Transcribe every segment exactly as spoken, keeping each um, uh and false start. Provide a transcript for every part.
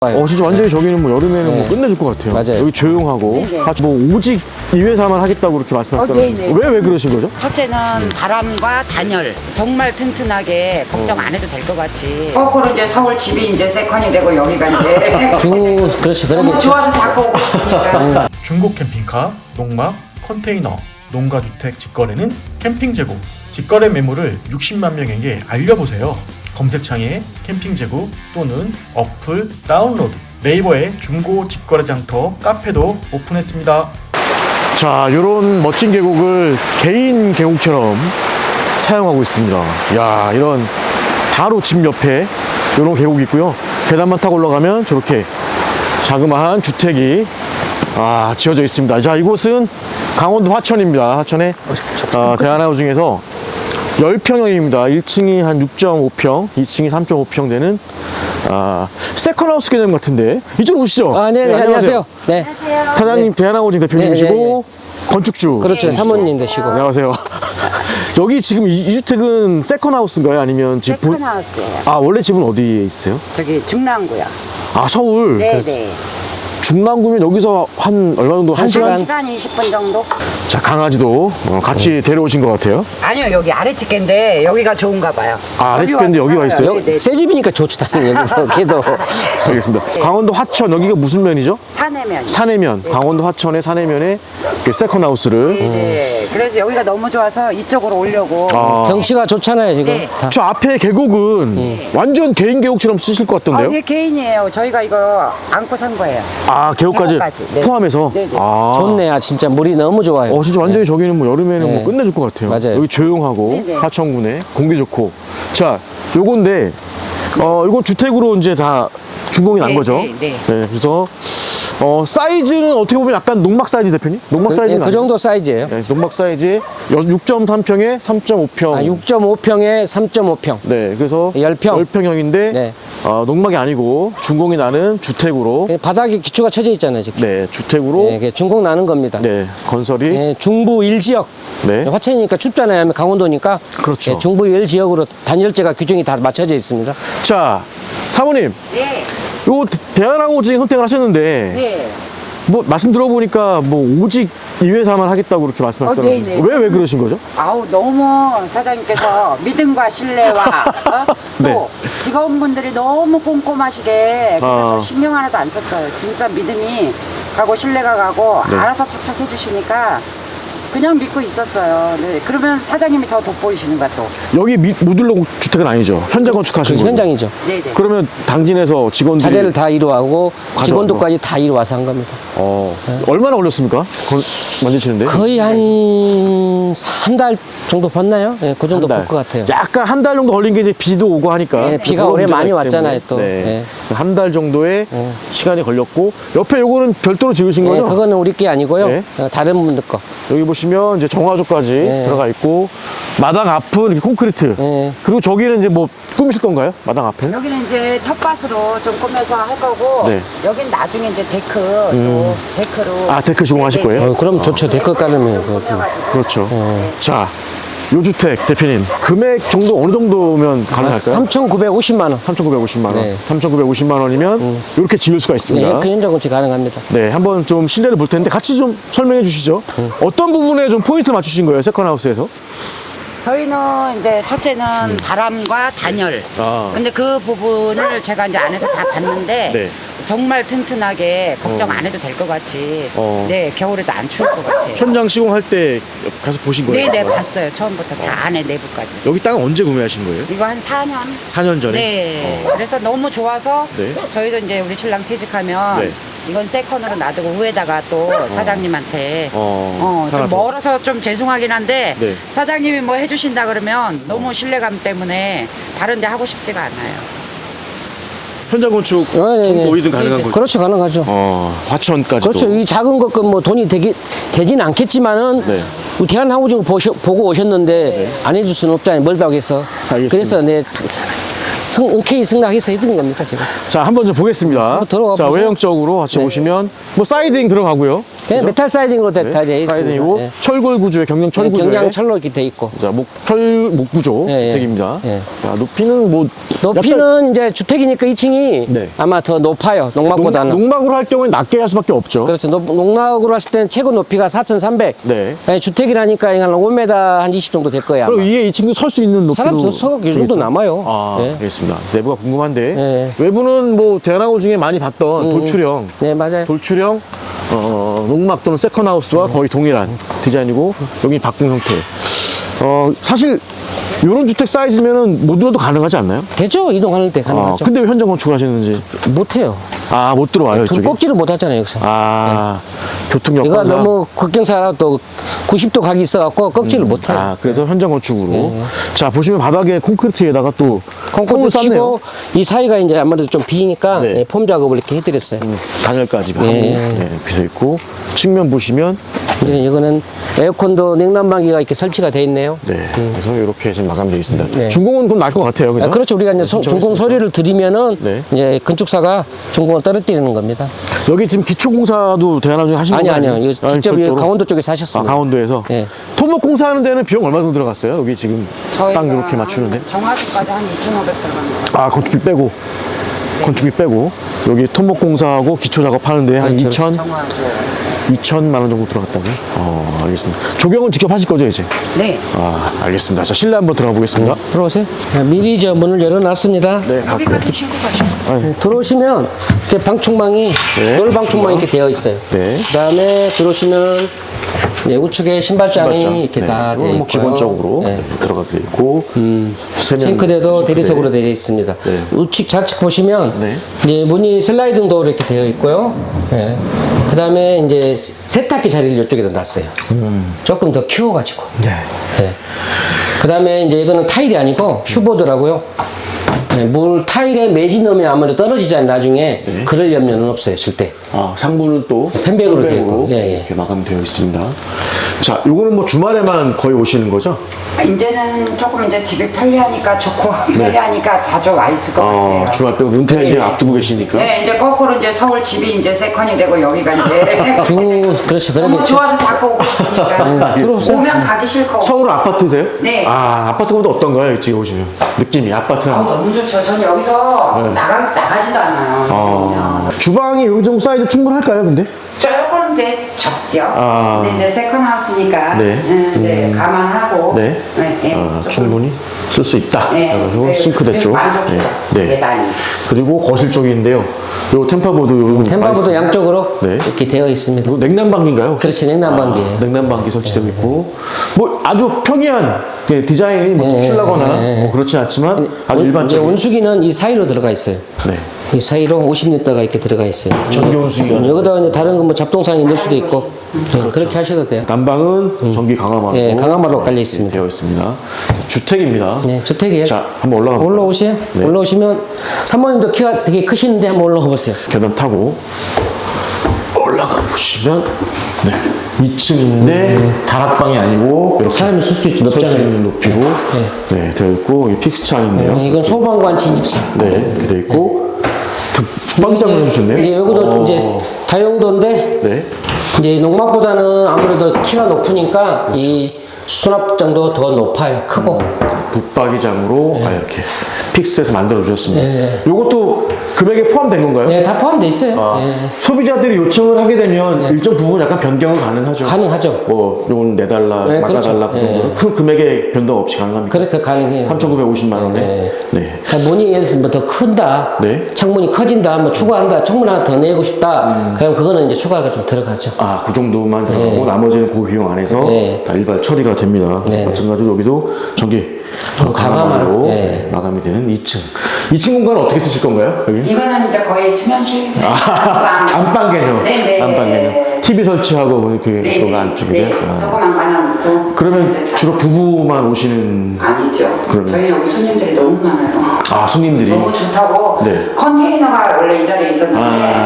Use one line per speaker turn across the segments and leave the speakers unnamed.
어 진짜 완전히
네.
저기는 뭐 여름에는
네.
뭐 끝내줄 것 같아요.
맞아요.
여기 조용하고
네네.
아, 뭐 오직 이 회사만 하겠다고 그렇게 말씀하셨잖아요.
어, 네네.
왜 왜 그러신 거죠?
첫째는 바람과 단열 정말 튼튼하게 걱정 안 해도 될 것 같이 거꾸로 이제 서울 집이 이제 세컨이 되고 여기가 이제
주 그렇지
너무
그러겠죠.
좋아서 자꾸 오고 싶으니까
중고 캠핑카, 농막, 컨테이너, 농가주택 직거래는 캠핑 재고, 직거래 매물을 육십만 명에게 알려보세요. 검색창에 캠핑 재고 또는 어플 다운로드, 네이버에 중고 직거래 장터 카페도 오픈했습니다.
자, 이런 멋진 계곡을 개인 계곡처럼 사용하고 있습니다. 야, 이런 바로 집 옆에 이런 계곡이 있고요. 계단만 타고 올라가면 저렇게 자그마한 주택이 아, 지어져 있습니다. 자, 이곳은 강원도 화천입니다. 화천의 아, 대한하우징에서 십 평형입니다. 일 층이 한 육 점 오 평, 이 층이 삼 점 오 평 되는 아, 세컨하우스 개념 같은데 이쪽으로 오시죠.
아, 네, 네, 안녕하세요. 네,
사장님 대한하우징 대표님이시고 건축주
그렇죠. 사모님 되시고.
안녕하세요. 여기 지금 이, 이 주택은 세컨하우스인가요? 아니면 집 본-
세컨하우스예요.
아, 원래 집은 어디에 있어요?
저기 중랑구요.
아, 서울.
네네.
중랑구면 여기서 한 얼마 정도? 한,
한
시간?
한 시간 이십 분 정도?
자, 강아지도 어, 같이 데려오신 것 같아요.
아니요, 여기 아래집게인데 여기가 좋은가 봐요.
아,
여기
아래집게인데
와서
여기 와
살아요.
있어요?
네네.
새 집이니까 좋죠, 당연히 여기서 걔도.
알겠습니다. 강원도 화천, 여기가 무슨 면이죠?
사내면.
산해면. 강원도 화천의 산해면에 그 세컨하우스를.
네네. 그래서 여기가 너무 좋아서 이쪽으로 오려고.
아,
경치가 좋잖아요 지금.
네.
다.
저 앞에 계곡은 완전 개인 계곡처럼 쓰실 것
아,
같던데요?
이게 개인이에요. 저희가 이거 안고 산 거예요.
아, 계곡까지,
계곡까지, 네.
포함해서?
네네.
아.
좋네, 아, 진짜 물이 너무 좋아요.
어, 진짜 완전히 저기는 뭐 여름에는
네.
뭐 끝내줄 것 같아요.
맞아요.
여기 조용하고
네네.
하천군에 공기 좋고. 자, 요건데, 어, 이건 주택으로 이제 다 준공이 난
네,
거죠.
네, 네.
그래서, 어, 사이즈는 어떻게 보면 약간 농막 사이즈 대표님? 농막
그, 예,
사이즈는
그 정도 사이즈예요.
네, 농막 사이즈 육 점 삼 평에 삼 점 오 평.
아, 육 점 오 평에 삼 점 오 평.
네, 그래서
십 평.
십 평형인데
네.
어, 농막이 아니고 준공이 나는 주택으로
바닥에 기초가 쳐져 있잖아요 지금.
네, 주택으로
네, 그게 중공 나는 겁니다.
네, 건설이
네, 중부 일 지역.
네.
화천이니까 춥잖아요. 강원도니까.
그렇죠.
네, 중부 일 지역으로 단열재가 규정이 다 맞춰져 있습니다.
자, 사모님,
네.
요 대한항공증 선택을 하셨는데
네.
뭐 말씀 들어보니까 뭐 오직 이 회사만 하겠다고 그렇게 말씀하셨더라고요.
어, 네네.
왜 왜 그러신 거죠?
아우 너무 사장님께서 믿음과 신뢰와 어? 또
네.
직원분들이 너무 꼼꼼하시게 그래서
아.
저 신경 하나도 안 썼어요. 진짜 믿음이 가고 신뢰가 가고
네.
알아서 착착 해주시니까 그냥 믿고 있었어요. 네. 그러면 사장님이 더 돋보이시는 거야 또.
여기 미, 모듈러 주택은 아니죠. 현장 건축하신
그
거죠.
현장이죠.
네네.
그러면 당진에서 직원들이
자재를 다 이루하고
가져와서.
직원도까지 다 이루와서 한 겁니다.
어, 얼마나 걸렸습니까? 건, 만드시는데?
거의 한 한 달 정도 봤나요? 네, 그 정도
한 달.
볼 것 같아요.
약간 한 달 정도 걸린 게 이제 비도 오고 하니까.
네, 비가
그런
올해
문제가
많이
있기
왔잖아요,
때문에.
또.
네.
네.
한 달 정도의
네.
시간이 걸렸고, 옆에 요거는 별도로 지으신
네,
거죠?
그거는 우리 게 아니고요.
네.
어, 다른 분들 거.
여기 보시면 이제 정화조까지
네.
들어가 있고, 마당 앞은 이렇게 콘크리트.
네.
그리고 저기는 이제 뭐 꾸미실 건가요? 마당 앞에?
여기는 이제 텃밭으로 좀 꾸며서 할 거고
네.
여긴 나중에 이제 데크 또 데크로
아, 데크 시공하실
네네.
거예요?
어, 그럼 좋죠. 데크 깔으면. 그,
그렇죠. 자, 요 주택 대표님, 금액 정도 어느 정도면 가능할까요?
삼천구백오십만 원.
삼천구백오십만 원.
네.
삼천구백오십만 원이면 이렇게 지을 수가
네,
있습니다.
그 현장 건축 가능합니다.
네, 한번 좀 실내를 볼 텐데 같이 좀 설명해 주시죠. 어떤 부분에 좀 포인트 맞추신 거예요, 세컨하우스에서?
저희는 이제 첫째는 바람과 단열.
음. 아.
근데 그 부분을 제가 이제 안에서 다 봤는데
네.
정말 튼튼하게 걱정 안 해도 될 것 같이.
어.
네, 겨울에도 안 추울 것 같아요.
현장 시공할 때 가서 보신 거예요?
네, 네, 봤어요. 처음부터 다 안에 내부까지.
여기 땅은 언제 구매하신 거예요?
이거 한 사 년?
사 년 전에?
네. 그래서 너무 좋아서
네.
저희도 이제 우리 신랑 퇴직하면
네.
이건 세컨으로 놔두고 후에다가 또 사장님한테
어,
어, 좀
살아서.
멀어서 좀 죄송하긴 한데
네.
사장님이 뭐 해주신다 그러면 너무 신뢰감 때문에 다른 데 하고 싶지가 않아요.
현장 건축
어, 네, 네.
어디든 가능한 거죠?
그렇죠. 가능하죠.
어, 화천까지도.
그렇죠. 이 작은 것건 뭐 돈이 되기, 되진 않겠지만은
네.
우리 대한항우증 보셔, 보고 오셨는데 안 해줄 수는 없잖아요. 멀다고 해서.
알겠습니다.
그래서 네, 승, 흔쾌히 승낙해서 해주는 겁니다, 제가.
자, 한번 좀 보겠습니다.
한번 들어가
자,
보세요.
외형적으로 같이
네.
보시면 뭐 사이딩 들어가고요.
네, 메탈 사이딩으로 다, 다 되어 있습니다.
사이딩이고
네.
철골 구조에 경량 철
네,
구조에
경량 철로 이렇게 돼 있고.
자, 목, 철, 목 구조
예, 예.
주택입니다.
예.
자, 높이는 뭐
높이는 이제 주택이니까 이 층이
네.
아마 더 높아요.
농,
농막보다는.
농막으로 할 경우에 낮게 할 수밖에 없죠.
그렇죠. 농- 농락으로 했을 때는 최고 높이가 사천삼백.
네.
네, 주택이라니까 한 오 미터 한 이십 정도 될 거야.
그리고 위에 이 친구 설 수 있는 높이로
사람 서- 서가 이 정도 남아요.
아,
네.
알겠습니다. 내부가 궁금한데
네.
외부는 뭐 대나무 중에 많이 봤던 돌출형
네, 맞아요.
돌출형 어, 농막 또는 세컨하우스와 거의 동일한 디자인이고 여기 바꾼 형태. 어, 사실 이런 주택 사이즈면은 못 들어도 가능하지 않나요?
되죠? 이동하는 때
아,
가능하죠.
근데 왜 현장 건축을 하시는지
못해요.
아, 못 들어와요
그
이쪽에.
꼭지를 못 하잖아요, 여기서.
아, 교통
이거
여건상.
너무 국경사 또 구십 도 각이 있어갖고 꺽지를 못 해요.
아, 그래서 현장 건축으로. 자, 보시면 바닥에 콘크리트에다가 또
콩콩도
폼을 쌌네요.
치고 이 사이가 이제 아무래도 좀 비니까
네.
예, 폼 작업을 이렇게 해드렸어요.
단열까지가
예.
하고 예, 비서 있고 측면 보시면
이제 이거는 에어컨도 냉난방기가 이렇게 설치가 돼 있네요.
네, 그래서 이렇게 지금 마감되어 있습니다.
네.
준공은 좀 날 것 같아요. 그죠?
아, 그렇죠. 우리가 이제 소- 준공 서류를 드리면은
네.
이제 건축사가 준공을 떨어뜨리는 겁니다.
여기 지금 기초공사도 대한항 중에 하시는
아니
거
아니요.
아니에요?
이거 직접 이
별도로?
강원도 쪽에서
아,
하셨습니다.
강원도에서
예.
토목 공사하는 데는 비용 얼마 정도 들어갔어요? 여기 지금 땅 이렇게 맞추는데?
정화조까지 한 이천오백 들어갑니다.
아, 건축비 빼고 건축비 빼고 여기 토목 공사하고 기초 작업하는데 한
그렇죠.
이천
정화조.
이천만 원 정도 들어갔다고요? 어, 알겠습니다. 조경은 직접 하실 거죠, 이제?
네.
아, 알겠습니다. 자, 실내 한번 들어가 보겠습니다.
들어오세요. 네, 미리 저 문을 열어놨습니다.
네, 갈게요.
여기까지 신고 가시고.
네, 들어오시면 이렇게 방충망이
네.
돌 방충망이 이렇게 되어 있어요.
네.
그다음에 들어오시면 네, 우측에 신발장이
신발장.
이렇게
네.
다
이건
되어
뭐
있고요.
기본적으로
네.
네, 들어가게 돼 있고 세면
싱크대도
싱크대.
대리석으로 되어 있습니다.
네.
우측 좌측 보시면
네.
이제 문이 슬라이딩 도어로 이렇게 되어 있고요. 네. 그다음에 이제 세탁기 자리를 이쪽에다 놨어요. 조금 더 키워가지고.
네.
네. 그다음에 이제 이거는 타일이 아니고 슈보드라고요. 네, 물 타일에 매지 넣으면 아무래도 떨어지잖아요. 나중에
네.
그럴 염려는 없어요. 절대.
아, 상부는 또
펜백으로 되어 있고. 예, 예.
이렇게 마감되어 있습니다. 자, 요거는 뭐 주말에만 거의 오시는 거죠?
아, 이제는 조금 이제 집이 편리하니까 좋고 편리하니까 자주 와 있을 것
어,
같아요.
주말 빼고 은퇴 이제
네.
앞두고 계시니까.
네, 이제 거꾸로 이제 서울 집이 이제 세컨이 되고 여기가 이제
주 그렇죠.
너무
그러겠죠.
좋아서 자꾸 오고 싶으니까
들어오세요.
오면 가기 싫고.
서울 아파트세요?
네.
아, 아파트보다 어떤가요? 지금 오시면 느낌이 아파트랑.
아, 너무 좋죠. 전 여기서 나가 나가지도 않아요.
어, 주방이 요 정도 사이즈 충분할까요, 근데?
조금 이제 적죠.
아.
근데 이제 세컨 하우스니까
네.
음, 네, 감안하고
네.
네, 네,
아,
조금,
충분히 쓸 수 있다.
네,
그래가지고
네,
싱크대
네,
쪽.
만족해요.
네.
대단히.
그리고 거실 쪽인데요. 요 템파보드 요
템바보도 양쪽으로
네.
이렇게 되어 있습니다.
요 냉난방기인가요?
그렇지, 냉난방기예요.
아, 냉난방기 설치되고 있고 뭐 아주 평이한 예, 디자인이 뭐
네,
특출나거나
네.
뭐 그렇진 않지만 아주
온- 이제
일반적인.
온수기는 이 사이로 들어가 있어요.
네.
이 사이로 오십 리터가 이렇게 들어가 있어요.
전기 온수기가
음, 여기다가 이제 다른 거 뭐 잡동사항이 넣을 수도 있고 네, 그렇게 하셔도 돼요.
난방은 전기 강화마로
예, 강화마루가 깔려 있습니다.
되어 있습니다. 주택입니다.
네, 주택이에요.
자, 한번 올라가 볼까요?
올라오세요.
네.
올라오시면 사모님도 키가 되게 크시는데 한번 올라가 보세요.
계단 타고 올라가 보시면 네. 이 층인데 다락방이 아니고 이렇게
사람이 쓸 수 있죠.
설수
높잖아요.
있는 높이고 네. 되어 있고 이 픽스창인데요.
네, 이건 소방관 진입창.
네, 이렇게 되어 있고 득방장을 해주셨네요.
이제 여기도
어.
이제 다용도인데
네.
이제 농막보다는 아무래도 키가 높으니까 이 수납장도 더 높아요. 크고.
붙박이장으로 아, 이렇게 픽스해서 만들어 주셨습니다.
네.
요것도 금액에 포함된 건가요?
네, 다 포함되어 있어요.
아,
네.
소비자들이 요청을 하게 되면 일정 부분 약간 변경은 가능하죠.
가능하죠.
뭐 요건 내달라,
네,
막아달라 그
그렇죠.
정도는 그 금액에 변동 없이 가능합니까?
그렇게 가능해요.
삼천구백오십만 원에.
네.
네.
그러니까 문이 예를 들면 더 큰다.
네.
창문이 커진다. 뭐 추가한다. 창문 하나 더 내고 싶다. 그럼 그거는 이제 추가가 좀 들어가죠.
아, 그 정도만 들어가고
네.
나머지는 그 비용 안에서
네.
다 일괄 처리가 됩니다.
네.
마찬가지로 여기도 전기
어,
강화마로
강화마루. 네.
마감이 되는 이 층. 이 층 공간은 어떻게 쓰실 건가요? 여기?
이거는 이제 거의 수면실.
아, 안방 개념.
네네.
안방 개념. 티비 설치하고 뭐 이렇게
네,
서가
네,
안쪽인데요.
네,
아.
조그만 관하고.
그러면 주로 부부만 오시는
아니죠.
그러면-
저희 여기 손님들이 너무 많아요.
아, 손님들이
너무 좋다고
네.
컨테이너가 원래 이 자리에 있었는데
아.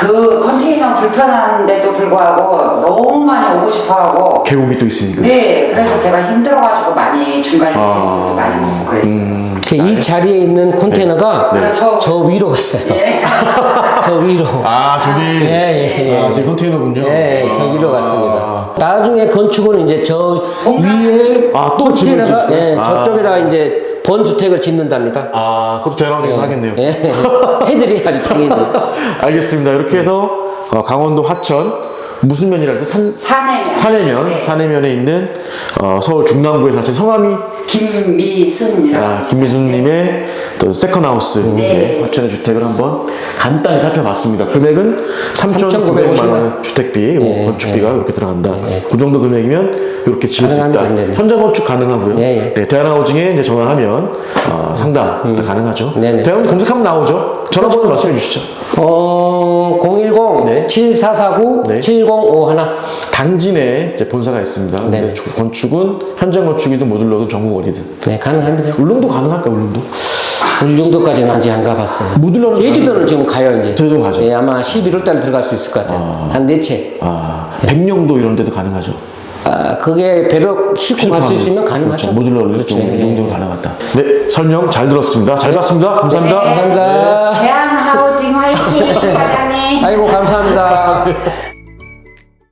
그 컨테이너 불편한데도 불구하고 너무 많이 오고 싶어하고
계곡이 또 있으니까.
네 그래서 제가 힘들어가지고 많이 중간에
아.
티켓을 많이 먹고 그랬어요.
음,
이 자리에 있는 컨테이너가
네.
저,
저 위로 갔어요.
예.
저 위로.
아, 저기.
예, 예, 예.
아, 저기 컨테이너군요.
네,
아.
저기로 갔습니다. 나중에 건축은 이제 저
뭔가-
위에
아, 또 집을
컨테이너가
짓고?
예,
아.
저쪽에다 이제 번주택을 짓는답니다.
아, 그것도 대단하게 하겠네요.
예, 해드려야지 당연히.
알겠습니다. 이렇게 해서 어, 강원도 하천 무슨 면이라 해서 산,
사내면
산해면,
네.
산해면에 있는 어, 서울 중남구에 사신 성함이
김미순이라고
아, 김미순님의 또 세컨하우스
네.
하천의 주택을 한번 간단히 살펴봤습니다. 금액은 삼천구백만 원 주택비,
네,
건축비가
네.
이렇게 들어간다. 그 정도 금액이면 이렇게 지을 수 있다.
가능합니다. 네.
현장 건축 가능하고요.
네, 네.
네, 대한하우징에 이제 전화하면 어, 상담 가능하죠.
네, 네.
대한 검색하면 나오죠. 전화번호 말씀해 주시죠.
어, 공일공
네.
칠사사구
네.
칠공오일.
당지 내에 이제 본사가 있습니다.
네.
근데 건축은 현장 건축이든 모듈러든 전국 어디든.
네, 가능합니다.
울릉도 가능할까 울릉도?
울릉도까지는 아직 안 가봤어요.
모듈러는
제주도는 지금 가요 이제.
제주도 가죠.
예, 아마 십일월 달에 들어갈 수 있을 것 같아요. 한 네 채.
아, 백령도 이런 데도 가능하죠.
아, 그게 배로 싣고 갈 수 있으면 가능하죠.
그렇죠. 모듈러를
그렇죠.
좀, 이
예,
정도는
예.
가능하다. 네, 설명 잘 들었습니다. 잘 봤습니다. 감사합니다.
감사합니다.
대한하우징 화이팅 사장님.
아이고 감사합니다.